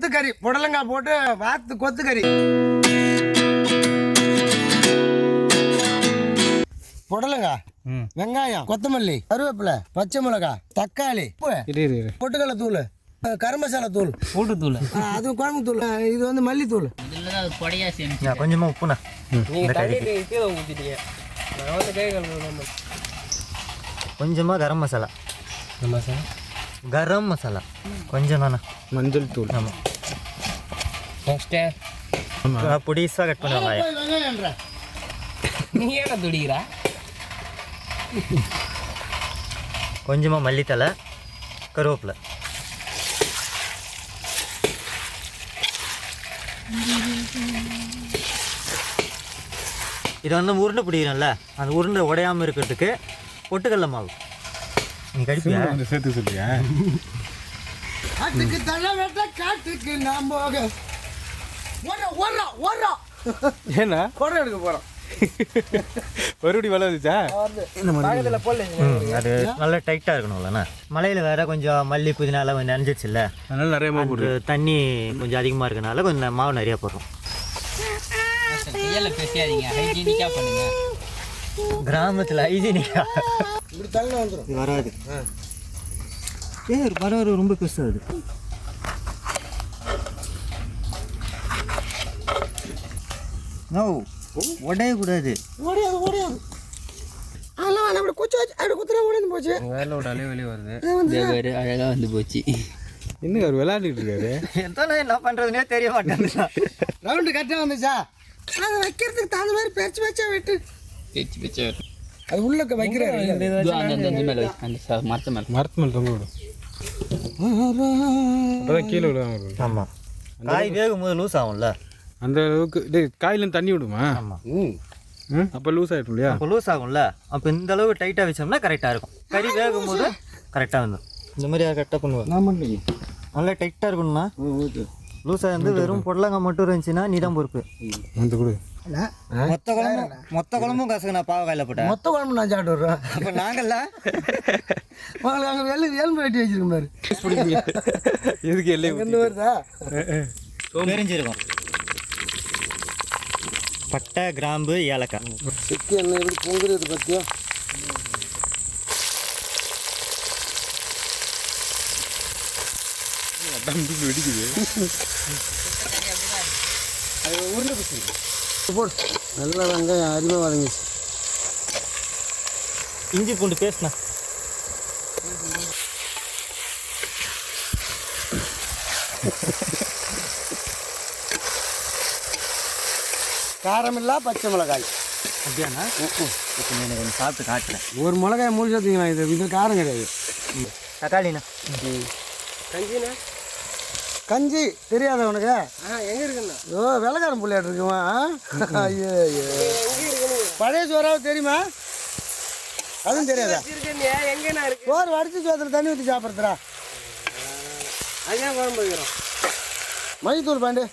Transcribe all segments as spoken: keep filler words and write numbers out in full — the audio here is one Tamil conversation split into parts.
கொத்துக்கறி புடலங்காய் போட்டு வாத்து கொத்துக்கறி. புடலங்காய், வெங்காயம், கொத்தமல்லி, கருவேப்பிலை, பச்சை மிளகாய், தக்காளி, பொட்டுக்கடலை தூள், கரம் மசாலா தூள், பூட்டு தூள், அது குழம்பு தூள், இது வந்து மல்லித்தூள். கொஞ்சமா உப்புண்ணா. கொஞ்சமா கரம் மசாலா. கரம் மசாலா கொஞ்சம் தானே. மஞ்சள் தூள். ஆமாம். பொடிசாக கட் பண்ணுவாங்க. நீ ஏன்னா துடிக்கிறா. கொஞ்சமா மல்லித்தலை, கருவேப்பிலை. இதை வந்து உருண்டை பிடிக்கிறோம்ல, அந்த உருண்டை உடையாமல் இருக்கிறதுக்கு பொட்டுக்கடலை மாவு. நீ கடிப்பியா? சேர்த்து சொல்லியா? காட்டுக்கு தலை வெட்ட காட்டுக்கு நாம் போக ஓடுறோம் ஓடுறோம். ஏன்னா குடம் எடுக்க போகிறோம். மறுபடி வலை வந்துச்சா? அது நல்லா டைட்டாக இருக்கணும்லண்ணா. மலையில் வேற கொஞ்சம் மல்லி புதினாலாம் கொஞ்சம் நனைஞ்சிச்சுல்ல, அதனால நிறைய மாவு போடுது. தண்ணி கொஞ்சம் அதிகமாக இருக்கனால கொஞ்சம் மாவு நிறையா போடுறோம். கிராமத்தில் ஹைஜீனிக்கா இப்படி தள்ளி வந்துடும். வராது. ஏ பரவாயில்ல, ரொம்ப பெருசாகுது. நோ உடையக்கூடாது. ஓடியாது ஓடியாது. அதெல்லாம் வேணாம். அப்படி குச்சி வச்சு அப்படி குத்துனா ஓடிந்து போச்சு. வேலை விடாலே வெளியே வருது. அழகாக வந்து போச்சு. இன்னும் அவர் விளையாண்டுட்டு இருக்காரு. எத்தனை என்ன பண்ணுறதுனே தெரிய மாட்டேங்குது. ரவுண்டு கரெக்டாக வந்துச்சா? அதை வைக்கிறதுக்கு தகுந்த மாதிரி பேச்சு பேச்சா வெட்டு. பேச்சு பேச்சு அது உள்ள வைக்கிறாரு. அந்த மேலே அந்த மரத்து மேலே மரத்து மேலே தொங்க விடும். அப்போதான் கீழே விடுவாங்க. ஆமாம், காய் வேகும் போது லூஸ் ஆகும்ல, அந்த அளவுக்கு டேய் காயிலேருந்து தண்ணி விடுமா? ஆமாம். ம் அப்போ லூஸ் ஆகிடும் இல்லையா? அப்போ லூஸ் ஆகும்ல, அப்போ இந்த அளவுக்கு டைட்டாக வச்சோம்னா கரெக்டாக இருக்கும். கறி வேகும் போது கரெக்டாக வந்துடும். இந்த மாதிரி கரெக்டாக பண்ணுவேன். நான் பண்ணி நல்லா டைட்டாக இருக்கணும்னா. ஓகே. லூஸாக இருந்து வெறும் பொடலங்காய் மட்டும் இருந்துச்சுன்னா நீ தான் பொறுப்பு. வந்து கொடு. மொத்த குழம்பும் மொத்த குழம்பும் காசுக்கு நான் பாவக்காயில் போட்டேன். மொத்த குழம்பு நான் சாப்பிட்டு வர்றேன். அப்போ நாங்கள்ல உங்களுக்கு அங்கே வெள்ளு எலும்பு வெட்டி வச்சிருக்கேன் பாரு. எதுக்கு எல்லை எந்த வருதா? தெரிஞ்சிருக்கும். பட்டை, கிராம்பு, ஏலக்காய். சிக்கி என்ன எப்படி பொங்குறது பற்றியா? வெடிக்குது. அது உருளை பிடிச்சி போடு. நல்லா வெங்காயம் அருமையாக வதங்கிச்சு. இஞ்சி பூண்டு பேஸ்ட்ண்ணா. காரமில்லா பச்சை மிளகாய். அப்படியாண்ணா? இப்போ எனக்கு கொஞ்சம் சாப்பிட்டு காட்டுறேன். ஒரு மிளகாய் மூடி சேர்த்துங்களா? இது இது காரம் கிடையாது. தக்காளிண்ணா. கஞ்சிண்ணா. கஞ்சி தெரியாத உனக்கு? எங்கே இருக்குண்ணா? ஓ வெள்ளக்காரன் பிள்ளையாட்டு இருக்குமா? ஐயோ ஐயோ. பழைய சோறாவது தெரியுமா? அதுவும் தெரியாதா? சோறு வடிச்சு சோத்துல தண்ணி ஊற்றி சாப்பிட்றா. அதான் குழம்பு வைக்கிறோம். மல்லித்தூள் பாண்டு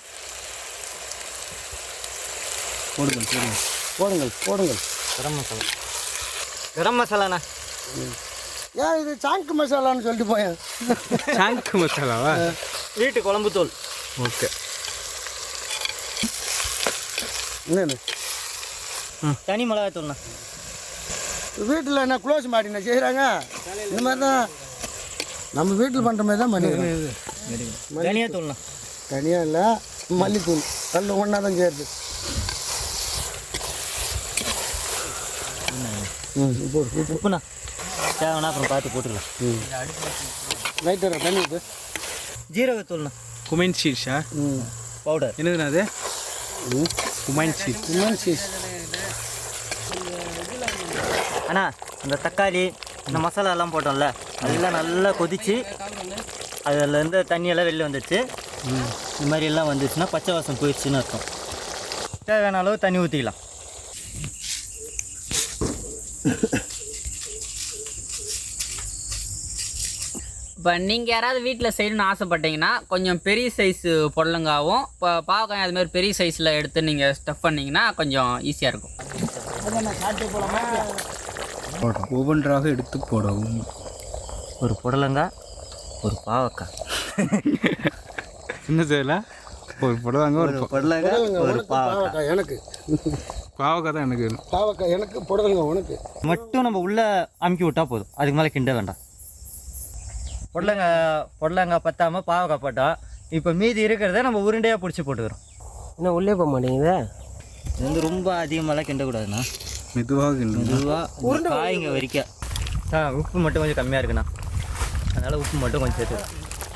போடுங்கள் போடுங்கள் போடுங்கள் போடுங்கள். கரம் மசாலா. கரம் மசாலாண்ணா. ஏன் இது சாங்கு மசாலான்னு சொல்லிட்டு போயேன். சாங்கு மசாலாவா? வீட்டு குழம்பு தூள். ஓகே. என்னென்னு தனி மிளகாய் தூள்ண்ணா. வீட்டில் என்ன க்ளோஸ் மாட்டினா செய்கிறாங்க. இந்த மாதிரி தான் நம்ம வீட்டில் பண்ணுற மாதிரி தான் பண்ணிக்கிறோம். தனியா தூள்ண்ணா. தனியாக இல்லை, மல்லித்தூள் கல் ஒன்றா தான் செய்யுது. ம் போடு. உப்புண்ணா தேவைன்னா அப்புறம் பார்த்து போட்டுக்கலாம். ம் லைட்டாக தண்ணி ஊற்று. ஜீரகத்தூள்ண்ணா. குமைன் சீஷா? ம் பவுடர். என்னதுண்ணா அது? ம் குமைன் சீஸ். குமைன் சீஸ். அண்ணா இந்த தக்காளி இந்த மசாலா எல்லாம் போட்டோம்ல, அதெல்லாம் நல்லா கொதிச்சு அதுலேருந்து தண்ணியெல்லாம் வெளில வந்துடுச்சு. இந்த மாதிரி எல்லாம் வந்துச்சுன்னா பச்சை வாசம் போயிடுச்சுன்னு அர்த்தம். தேவையான அளவு தண்ணி ஊற்றிக்கலாம். இப்போ நீங்கள் யாராவது வீட்டில் செய்யணும்னு ஆசைப்பட்டீங்கன்னா கொஞ்சம் பெரிய சைஸு புடலங்காவும் இப்போ பாவக்காய் அது மாதிரி பெரிய சைஸில் எடுத்து நீங்கள் ஸ்டஃப் பண்ணிங்கன்னா கொஞ்சம் ஈஸியாக இருக்கும். ஒவ்வொன்றாக எடுத்து போடவும். ஒரு புடலங்காய், ஒரு பாவக்காய். என்ன செய்யல ஒரு புடலங்க ஒரு ஒரு பொடலங்காய் புடலங்காய் ஒரு உனக்கு, பாவக்காய் பாவக்காய் எனக்கு பாவக்காய் தான் எனக்கு வேணும். பாவக்காய் எனக்கு புடலங்காய் உனக்கு. மட்டும் நம்ம உள்ளே அமுக்கி விட்டா போதும், அதுக்கு மேலே கிண்ட வேண்டாம். பொடலங்காய் பொடலங்காய் பத்தாமல் பாவக்காய் போட்டோம். இப்போ மீதி இருக்கிறத நம்ம உருண்டையாக பிடிச்சி போட்டுக்கிறோம். இன்னும் உள்ளே போக மாட்டேங்குதா? இது வந்து ரொம்ப அதிகமாகலாம் கிண்டக்கூடாதுண்ணா, மெதுவாக கிண்டு. மெதுவாக காய்ங்க வரைக்கும். ஆ உப்பு மட்டும் கொஞ்சம் கம்மியாக இருக்குண்ணா, அதனால் உப்பு மட்டும் கொஞ்சம் சேர்த்துக்கலாம்.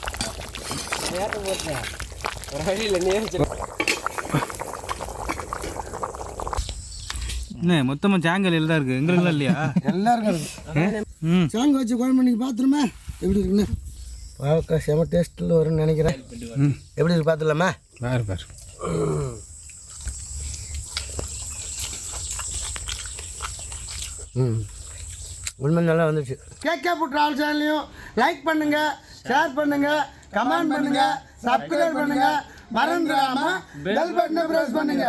என்ன மொத்தமாக ஜாங்கல் தான் இருக்குது, எங்களுக்குலாம் இல்லையா? எல்லாருக்கும் இருக்கு. சாங்க வச்சு குழம்பு நீங்கள் பார்த்துருமா எப்படி இருக்குன்னு? பாவக்காய் செம டேஸ்ட்டில் வரும்னு நினைக்கிறேன். எப்படி இருக்கு பார்த்துலாமா? வேறு வேறு ம் உண்மை நல்லா வந்துச்சு. கேகே ஃபுட் ட்ராவல் சேனலையும் லைக் பண்ணுங்க, ஷேர் பண்ணுங்க, கமெண்ட் பண்ணுங்க, சப்ஸ்கிரைப் பண்ணுங்க, மறந்துடாம பெல் பட்டனை பிரஸ் பண்ணுங்க.